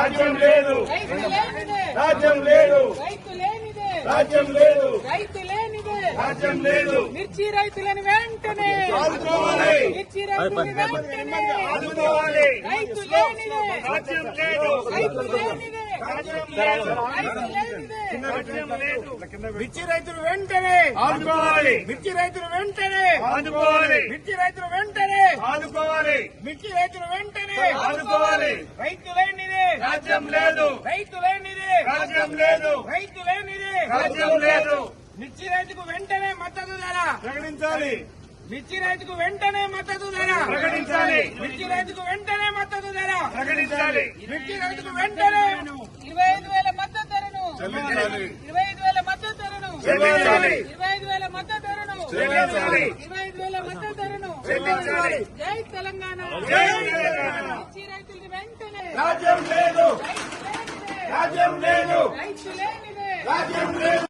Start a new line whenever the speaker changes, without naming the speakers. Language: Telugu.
రాజ్యం లేదు,
రైతు లేనిదే,
రాజ్యం లేదు,
రైతు లేనిదే,
రాజ్యం లేదు,
రైతు లేనిదే,
రాజ్యం లేదు.
మిర్చి రైతులను వెంటనే
ఆదుకోవాలి,
మిర్చి రైతులను వెంటనే
ఆదుకోవాలి.
రైతు లేనిదే,
రాజ్యం లేదు,
రైతు లేనిదే,
రాజ్యం లేదు,
రైతు లేనిదే,
రాజ్యం లేదు.
మిర్చి రైతులు వెంటనే
ఆదుకోవాలి,
మిర్చి రైతులు వెంటనే
ఆదుకోవాలి,
మిర్చి రైతులు వెంటనే
ఆదుకోవాలి,
మిర్చి రైతులు వెంటనే
ఆదుకోవాలి.
రైతు లేనిదే,
రాజ్యం లేదు,
రైతు లేనిదే,
రాజ్యం లేదు,
రైతు లేనిదే,
రాజ్యం లేదు.
మిర్చి రైతుకు వెంటనే మద్దతు ధర,
ప్రకటించాలి,
మిర్చి రైతుకు వెంటనే మద్దతు ధర,
ప్రకటించాలి,
మిర్చి రైతుకు వెంటనే మద్దతు ధర,
ప్రకటించాలి.
మిర్చి రైతుకు వెంటనే 25,000 మద్దతు ధరను,
చెల్లించాలి,
25,000 మద్దతు ధరను,
చెల్లించాలి,
25,000 మద్దతు ధరను,
చెల్లించాలి,
25,000 మద్దతు ధరను,
చెల్లించాలి.
జై తెలంగాణ,
జై తెలంగాణ.
మిర్చి రైతులకు వెంటనే
రాజ్యం లేదు,
రైతు లేనిదే,
రాజ్యం లేదు,
రైతు లేనిదే,
రాజ్యం లేదు.